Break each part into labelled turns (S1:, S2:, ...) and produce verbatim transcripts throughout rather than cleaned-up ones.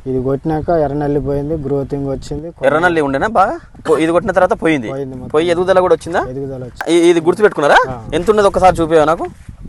S1: ఇది కొట్టినాక ఎర్రనల్లి పోయింది, గ్రోతింగ్ వచ్చింది.
S2: ఎర్రనల్లి ఉండేనా బాగా? ఇది కొట్టిన తర్వాత పోయింది, పోయి ఎదుగుదల కూడా వచ్చిందా?
S1: ఎదుగుదల వచ్చింది.
S2: ఇది గుర్తు పెట్టుకున్నారా? ఎంత ఉన్నది ఒకసారి చూపేవా నాకు?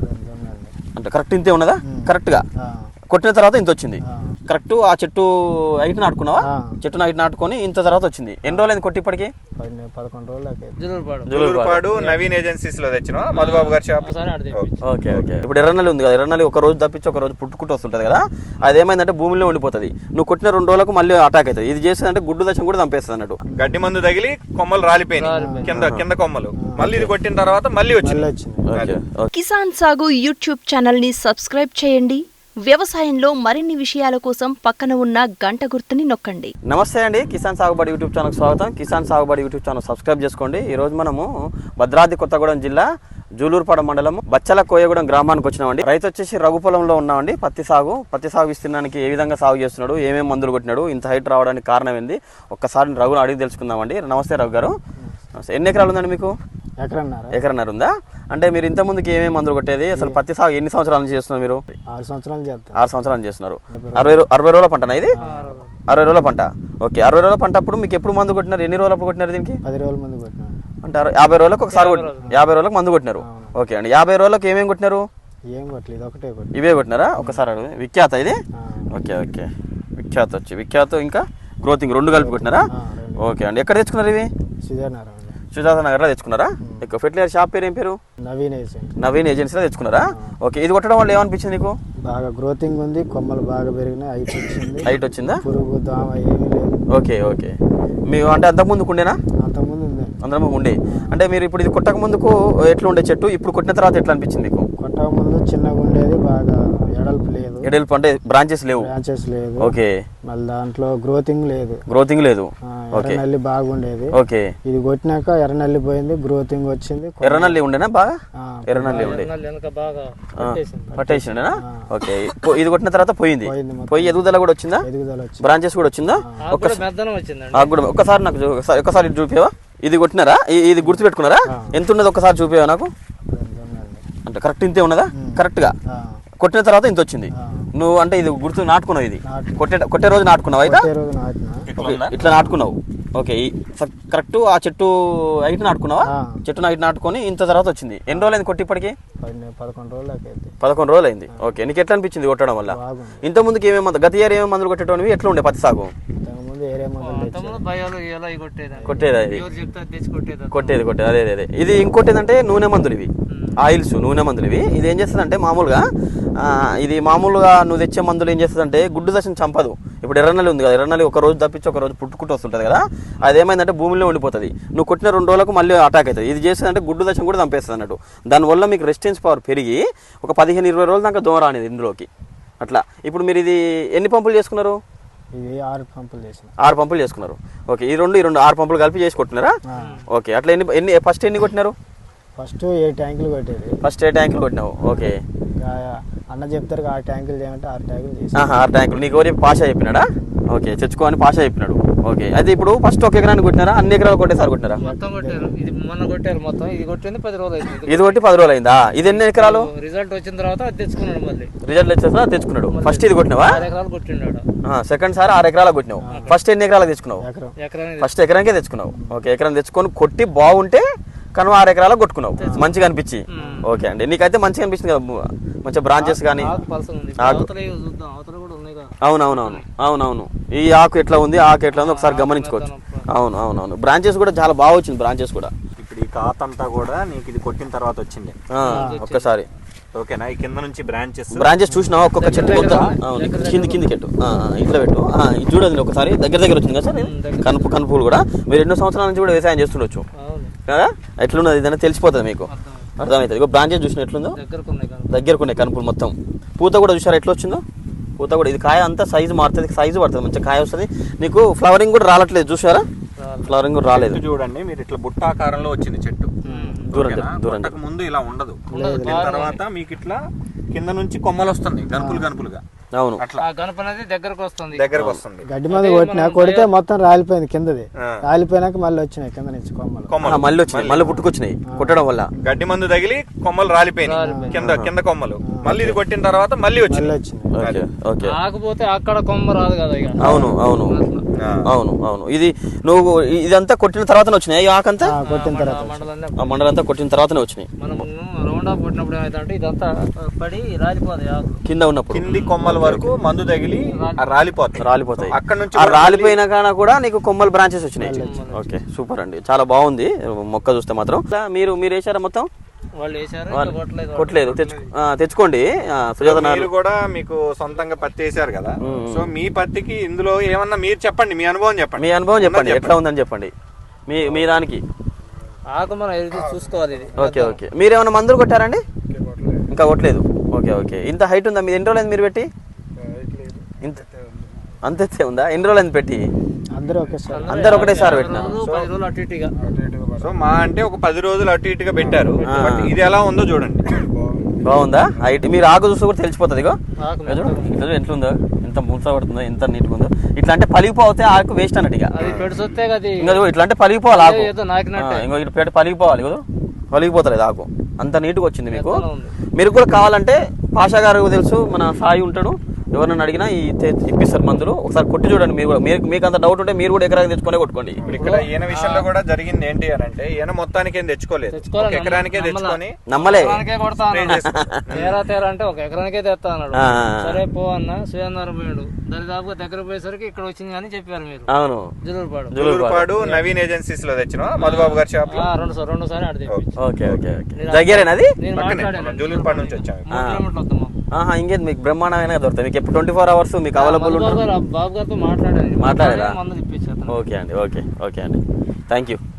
S2: అంటే కరెక్ట్ ఇంతే ఉన్నదా? కరెక్ట్ గా కొట్టిన తర్వాత ఇంత వచ్చింది. కరెక్ట్ ఆ చెట్టు హైట్ నాటుకున్నావా? చెట్టు హైట్ నాటుకొని ఇంత తర్వాత వచ్చింది. ఎన్ని రోజులు అయింది కొట్టి ఇప్పటికి?
S1: పదకొండు రోజులు.
S3: జులూరుపాడు నవీన్ ఏజెన్సీస్ లో తెచ్చిన మధుబాబు గారి షాప్.
S2: Okay okay. ఇప్పుడు ఎర్రనల్లి ఉంది కదా, ఎర్రనల్లి ఒక రోజు తప్పించి ఒక రోజు పుట్టుకుంటూ వస్తుంటది కదా, అది ఏమైందంటే భూమిలో ఉండిపోతుంది. నువ్వు కొట్టిన రెండు రోజులకు మళ్ళీ అటాక్ అవుతుంది. ఇది చేస్తుందంటే గుడ్డు దశం కూడా చంపేస్తుంది అన్నట్టు.
S3: గడ్డి మందు తగిలి కొమ్మలు రాలిపోయినాయి కింద కింద కొమ్మలు. మళ్ళీ ఇది కొట్టిన తర్వాత మళ్ళీ వచ్చింది.
S4: కిసాన్ సాగు యూట్యూబ్ ఛానల్ ని సబ్స్క్రైబ్ చేయండి. వ్యవసాయంలో మరిన్ని విషయాల కోసం పక్కన ఉన్న గంట గుర్తుని నొక్కండి.
S2: నమస్తే అండి, కిసాన్ సాగుబడి యూట్యూబ్ ఛానల్ స్వాగతం. కిసాన్ సాగుబడి యూట్యూబ్ ఛానల్ సబ్స్క్రైబ్ చేసుకోండి. ఈ రోజు మనము భద్రాద్రి కొత్తగూడెం జిల్లా జూలూరుపాడు మండలం బచ్చల కోయగూడెం గ్రామానికి వచ్చినామండి. రైతు వచ్చేసి రఘు పొలంలో ఉన్నామండి. పత్తి సాగు పత్తి సాగు విస్తీర్ణానికి ఏ విధంగా సాగు చేస్తున్నాడు, ఏమేమి మందులు కొట్టినాడు, ఇంత హైట్ రావడానికి కారణం ఏంది, ఒక్కసారి రఘుని అడిగి తెలుసుకుందామండి. నమస్తే రఘు గారు. ఎన్ని ఎకరాలు ఉందండి మీకు?
S1: ఎకరన్నర.
S2: ఎకరన్నర ఉందా? అంటే మీరు ఇంత ముందుకి ఏమేమి మందులు కొట్టేది, అసలు పత్తి సాగు ఎన్ని సంవత్సరాల నుంచి చేస్తున్నారు మీరు?
S1: ఆరు సంవత్సరాలు చేస్తారు.
S2: ఆరు సంవత్సరాలు చేస్తున్నారు. అరవై అరవై రోజుల పంటనా ఇది? అరవై రోజుల పంట. ఓకే, అరవై రోజుల పంట అప్పుడు మీకు ఎప్పుడు మందు కొట్టినారు? ఎన్ని రోజులు అప్పుడు కొట్టినారు దీనికి?
S1: పది రోజుల మందు కొట్టినారు.
S2: అంటే యాభై రోజులకు ఒకసారి కొట్టినారు. యాభై రోజులకు మందు కొట్టినారు. ఓకే అండి, యాభై రోజులకు ఏమేమి కొట్టినారు?
S1: ఏం కొట్టలేదు, ఒకటే కొట్టి.
S2: ఇవే కొట్టినారా? ఒకసారి విఖ్యాత ఇది. ఓకే ఓకే, విఖ్యాత వచ్చి విఖ్యాత ఇంకా గ్రోతింగ్ రెండు కలిపి కొట్టినారా? ఓకే అండి, ఎక్కడ తెచ్చుకున్నారు ఇవి?
S1: సుజానగర్.
S2: సుజాత నగర్లో తెచ్చుకున్నారా? ఎక్కువ ఫెర్టిలైజర్ షాప్ పేరు ఏం పేరు?
S1: నవీన్ ఏజెన్సీ.
S2: నవీన్ ఏజెన్సీలో తెచ్చుకున్నారా? ఓకే, ఇది కొట్టడం వల్ల ఏమనిపించింది నీకు?
S1: బాగా గ్రోతింగ్ ఉంది, కొమ్మలు బాగా పెరిగినాయి, హైట్ వచ్చింది.
S2: హైట్ వచ్చిందా?
S1: పురుగు దోమ ఏమీ లేదు.
S2: Okay okay. మీరు అంటే అంతకుముందుకు ఉండేనా?
S1: అంతకుముందు ఉంది.
S2: అందరం ఉండే. అంటే మీరు ఇప్పుడు ఇది కొట్టక ముందుకు ఎట్లా ఉండే చెట్టు, ఇప్పుడు కొట్టిన తర్వాత ఎట్లా అనిపించింది మీకు?
S1: కొట్టక ముందు చిన్నగా ఉండేది, బాగా ఎడల్పు లేదు.
S2: ఎడల్పు అంటే బ్రాంచెస్ లేవు.
S1: బ్రాంచెస్ లేదు.
S2: ఓకే.
S1: మళ్ళీ దాంట్లో గ్రోతింగ్ లేదు.
S2: గ్రోతింగ్ లేదు.
S1: ఎర్రనల్లి బాగుండేది.
S2: ఓకే.
S1: ఇది కొట్టినాక ఎర్రనల్లి పోయింది, గ్రోతింగ్ వచ్చింది.
S2: ఎర్రనల్లి ఉండేనా బాగా? ఎర్రనల్లి ఉండే పట్టేసిండేనా? ఓకే, ఇది కొట్టిన తర్వాత పోయింది, పోయి ఎదుగుదల కూడా వచ్చిందా?
S1: ఎదుగుదల వచ్చింది.
S2: బ్రాంచెస్ కూడా వచ్చిందా? ఒక్కసారి నాకు ఒకసారి చూపేవా? ఇది కొట్టినారా? ఇది గుర్తు పెట్టుకున్నారా? ఎంత ఉన్నది ఒకసారి చూపేవా నాకు? అంటే కరెక్ట్ ఇంతే ఉన్నదా? కరెక్ట్ గా కొట్టిన తర్వాత ఇంత వచ్చింది. నువ్వు అంటే ఇది గుర్తు నాటుకున్నావు, ఇది కొట్టే కొట్టే రోజు నాటుకున్నావు అయితే ఇట్లా నాటుకున్నావు. ఓకే, కరెక్ట్ ఆ చెట్టు హైట్ నాటుకున్నావా? చెట్టు హైట్ నాటుకొని ఇంత తర్వాత వచ్చింది. ఎన్ని రోజులు అయింది కొట్టి ఇప్పటికి?
S1: పదకొండు రోజులు
S2: పదకొండు రోజులు అయింది. ఓకే, నీకు ఎట్లా అనిపించింది కొట్టడం వల్ల? ఇంత ముందుకి ఏమేమి మందు, గత ఇయర్ ఏమేమి మందులు కొట్టేటోనివి, ఎట్లా ఉండే పత్తి సాగు? కొట్టేది కొట్టేది కొట్టేది అదే అదే. ఇది ఇంకోటి ఏంటంటే నూనె మందులు, ఇవి ఆయిల్స్ నూనె మందులు. ఇవి ఇది ఏం చేస్తుందంటే మామూలుగా ఇది మామూలుగా నువ్వు తెచ్చే మందులు ఏం చేస్తుందంటే గుడ్డు దశను చంపదు. ఇప్పుడు ఎర్రనల్లి ఉంది కదా, ఎర్రనల్లి ఒక రోజు తప్పించి ఒక రోజు పుట్టుకుంటూ వస్తుంటుంది కదా, అది ఏమైందంటే భూమిలో ఉండిపోతుంది. నువ్వు కొట్టిన రెండు రోజులకు మళ్ళీ అటాక్ అవుతుంది. ఇది చేస్తుందంటే గుడ్డు దశను కూడా చంపేస్తుంది అన్నట్టు. దానివల్ల మీకు రెసిస్టెన్స్ పవర్ పెరిగి ఒక పదిహేను ఇరవై రోజుల దాకా దూరం అనేది ఇందులోకి అట్లా. ఇప్పుడు మీరు ఇది ఎన్ని పంపులు చేసుకున్నారు?
S1: ఇది ఆరు పంపులు చేసిన.
S2: ఆరు పంపులు చేసుకున్నారు. ఓకే, ఈ రెండు ఈ రెండు ఆరు పంపులు కలిపి చేసి కొట్టినారా? ఓకే, అట్లా ఎన్ని ఎన్ని ఫస్ట్ ఎన్ని కొట్టినారు?
S1: ఫస్ట్ ఏ ట్యాంకులు కొట్టేది.
S2: ఫస్ట్ ఏ ట్యాంకులు కొట్టినావు? ఓకే,
S1: అన్న చెప్తారు ఆరు ట్యాంకులు చేయమంటే ఆరు ట్యాంకులు చేసి.
S2: ఆరు ట్యాంకులు నీకు ఎవరు పాషా చెప్పినాడా? ఓకే, తెచ్చుకోని పాషా చెప్పినాడు. ఓకే, అయితే ఇప్పుడు ఫస్ట్ ఒక ఎకరాన్ని కొట్టినారా, అన్ని ఎకరాలు కొట్టేసారి కొట్టినారా?
S5: మొత్తం కొట్టారు. ఇది మొన్న కొట్టారు మొత్తం. ఇది కొట్టింది పది రోజులు అయింది.
S2: ఇది కొట్టి పది రోజులు అయిందా? ఇది ఎన్ని ఎకరాలు?
S5: రిజల్ట్ వచ్చిన తర్వాత అది తెచ్చుకున్నాడు. మళ్ళీ
S2: రిజల్ట్ వచ్చేసా తెచ్చుకున్నాడు. ఫస్ట్ ఇది కొట్టినావా?
S5: ఆరు ఎకరాలు కొట్టినాడు.
S2: సెకండ్ సారి ఆరు ఎకరాలు కొట్టినావు. ఫస్ట్ ఎన్ని ఎకరాలు తెచ్చుకున్నావు?
S5: ఎకరానికి.
S2: ఫస్ట్ ఎకరానికే తెచ్చుకున్నావు. ఓకే, ఎకరం తెచ్చుకొని కొట్టి బాగుంటే కనుమ ఆరు ఎకరాలకు కొట్టుకున్నావు మంచిగా అనిపించి. ఓకే అండి, నీకైతే మంచిగా అనిపించింది కదా, మంచిగా బ్రాంచెస్ కానీ. అవునవునవును అవునవును ఈ ఆకు ఎట్లా ఉంది, ఆకు ఎట్లా ఉంది ఒకసారి గమనించుకోవచ్చు. అవును అవునవును బ్రాంచెస్ కూడా చాలా బాగా వచ్చింది. బ్రాంచెస్ కూడా
S3: ఇప్పుడు ఈ కాత అంతా కూడా నీకు ఇది కొట్టిన తర్వాత వచ్చింది
S2: ఒక్కసారి.
S3: ఓకేనా, ఈ కింద నుంచి బ్రాంచెస్
S2: బ్రాంచెస్ చూసినావా? ఒక్కొక్క చెట్టు మొత్తం కింది కింది చెట్టు ఇట్లా పెట్టు. ఇది చూడండి ఒకసారి దగ్గర దగ్గర వచ్చింది కదా సార్. కనుపు కనుపులు కూడా మీరు ఎన్నో సంవత్సరాల నుంచి కూడా వ్యవసాయం చేస్తుండొచ్చు కదా, ఎట్లున్నది ఇదైనా తెలిసిపోతుంది మీకు, అర్థమవుతుంది. ఇక బ్రాంచెస్ చూసిన ఎట్లుందో దగ్గరకు ఉన్నాయి కనుపులు మొత్తం. పూత కూడా చూసారా ఎట్లా వచ్చిందో? పూత కూడా ఇది కాయ అంతా సైజు మారుతుంది, సైజు పడుతుంది, మంచిగా కాయ వస్తుంది. నీకు ఫ్లవరింగ్ కూడా రావట్లేదు చూసారా? ఫ్లవరింగ్ కూడా రాలేదు.
S3: చూడండి మీరు ఇట్లా బుట్టాకారంలో వచ్చింది చెట్టు. దూరం దూరం ముందు ఇలా ఉండదు, తర్వాత మీకు ఇట్లా కింద నుంచి కొమ్మలు వస్తుంది గనుపులు గనుపులుగా.
S2: అవును,
S5: దగ్గరకు వస్తుంది
S3: దగ్గరకు వస్తుంది.
S1: గడ్డి మంది కొట్టినా కొడితే మొత్తం రాలిపోయింది కిందది. రాలిపోయినాక మళ్ళీ వచ్చినాయి కింద నుంచి కొమ్మలు.
S2: మళ్ళీ వచ్చినాయి, మళ్ళీ పుట్టుకొచ్చినాయి కొట్టడం వల్ల.
S3: గడ్డి మందు తగిలి కొమ్మలు రాలిపోయినాయి కింద కింద కొమ్మలు. మళ్ళీ ఇది కొట్టిన తర్వాత మళ్ళీ వచ్చింది
S1: మళ్ళీ వచ్చింది.
S2: ఓకే ఓకే
S5: ఆకపోతే అక్కడ కొమ్మ రాదు కదా ఇక
S2: అవును అవును
S3: ఆ.
S2: అవును అవును ఇది నువ్వు ఇదంతా కొట్టిన తర్వాతనే వచ్చినాయి ఈ ఆకంతా
S1: ఆ, కొట్టిన తర్వాత
S5: మండలాన్ని
S2: ఆ మండలంతా కొట్టిన తర్వాతనే వచ్చినాయి
S5: మనం రౌండ్ ఆఫ్ కొట్టినప్పుడు ఏమైందంటే ఇదంతా పడి రాలిపోతాయి ఆకు.
S2: కింద ఉన్నప్పుడు
S3: కింది కొమ్మల వరకు మందు తగిలి ఆ రాలిపోతాయి
S2: రాలిపోతాయి
S3: అక్కడ నుంచి
S2: ఆ రాలిపోయిన కాన కూడా నీకు కొమ్మల బ్రాంచెస్ వచ్చినాయి ఓకే సూపర్ అండి చాలా బాగుంది మొక్క చూస్తే మాత్రం ఇలా మీరు మీరు వేసారా మొత్తం
S5: వాళ్ళు వేసారు
S2: వాళ్ళు
S5: ఇంకా కొట్టలేదు
S2: కొట్టలేదు తెచ్చు ఆ, తెచ్చుకోండి ఆ, సుజాత నారు
S3: మీరు కూడా మీకు సొంతంగా పత్తి వేసారు కదా సో మీ పత్తికి ఇందులో ఏమన్నా మీరు చెప్పండి మీ అనుభవం చెప్పండి
S2: మీ అనుభవం చెప్పండి ఎట్లా ఉందని చెప్పండి మీ మీ దానికి
S5: ఆకు మనం ఎదురు చూసుకోవాలి ఇది
S2: ఓకే ఓకే మీరు ఏమైనా మందులు కొట్టారండి ఇంకా కొట్టలేదు ఓకే ఓకే ఇంత హైట్ ఉందా మీరు ఎన్ని రోజులు మీరు పెట్టి ఇంత అంతే ఉందా ఎన్ని రోజులు పెట్టి
S1: అందరూ ఒకేసారి
S2: అందరు ఒకటేసారి పెట్టినా
S5: రోజు పది రోజులు అటు ఇటుగా
S3: సో మా అంటే ఒక పది రోజులు అటు ఇటుగా పెట్టారు బట్ ఇది ఎలా ఉందో చూడండి
S2: బాగుందా హైట్ మీరు ఆకు చూస్తే కూడా తెలిసిపోతుంది ఇగో
S5: ఆకు
S2: ఇదో చూడు ఇదో ఎట్లుందో ఎంత మూస పడుతుందో ఎంత నీట్గా ఉందో ఇట్లా అంటే పలిగిపోతే ఆకు వేస్ట్ అన్నట్టు ఇక
S5: అది పెడుసొస్తే అది
S2: ఇంకా చూడు, ఇట్లా అంటే పలిగిపోవాలి ఆకు
S5: ఏదో నాకినట్టే.
S2: ఆ, ఇంకో ఇటు పెట్టి పలిగిపోవాలి కదా పలిగిపోతలేదు ఆకు అంత నీట్గా వచ్చింది మీకు
S5: మెత్తగా ఉంది.
S2: మీరు కూడా కావాలంటే పాషా గారు తెలుసు మన సాయి ఉంటాడు ఎవరినైనా అడిగినా ఈ తె- ఇప్పిస్తారు మందులు ఒకసారి కొట్టి చూడండి మీరు కూడా మీరు మీకు అంత డౌట్ ఉంటే మీరు కూడా ఎకరాకి తెచ్చుకొని కొట్టుకోండి
S3: ఇప్పుడు ఇక్కడ ఈయన విషయంలో కూడా జరిగింది ఏంటి అని అంటే ఈయన మొత్తానికి ఏం తెచ్చుకోలేదు
S5: తెచ్చుకోవాలి,
S3: ఒక ఎకరానికే
S5: నమ్మలా.
S3: తెచ్చుకొని
S2: నమ్మలే
S5: ఎకరానికే కొడతా అన్నాడు.
S3: చేసుకున్నాడు.
S5: తేరా తేరా అంటే ఒక ఎకరానికే తెస్తా అన్నాడు
S2: ఆ.
S5: సరే పో అన్న సుయందరం పోయాడు దరిదాపుగా దగ్గర పోయేసరికి ఇక్కడ వచ్చింది కానీ చెప్పారు మీరు
S2: అవును
S5: జులూరుపాడు
S3: జులూరుపాడు నవీన్ ఏజెన్సీస్ లో తెచ్చిన మధుబాబు గారి షాప్ లో
S5: ఆ, రెండు సార్ రెండు సారి ఆడ తెప్పించి
S2: ఓకే ఓకే ఓకే దగ్గరేనా అది
S5: నేను
S3: పక్కనే
S5: మాట్లాడాను
S3: మనం జులూరుపాడు నుంచి వచ్చాము
S5: మూడు కిలోమీటర్లు వద్దాం మాకు.
S2: ఆహా ఇంకేది మీకు బ్రహ్మాండమైన దొరుకుతాయి మీకు ట్వంటీ ఫోర్ అవర్స్ మీకు అవైలబుల్
S5: బాబు
S2: ఉంటుంది
S5: గారు బాబు గారితో మాట్లాడాను
S2: మాట్లాడారా?
S5: మందులు ఇప్పించాను
S2: ఓకే అండి ఓకే ఓకే అండి థ్యాంక్ యూ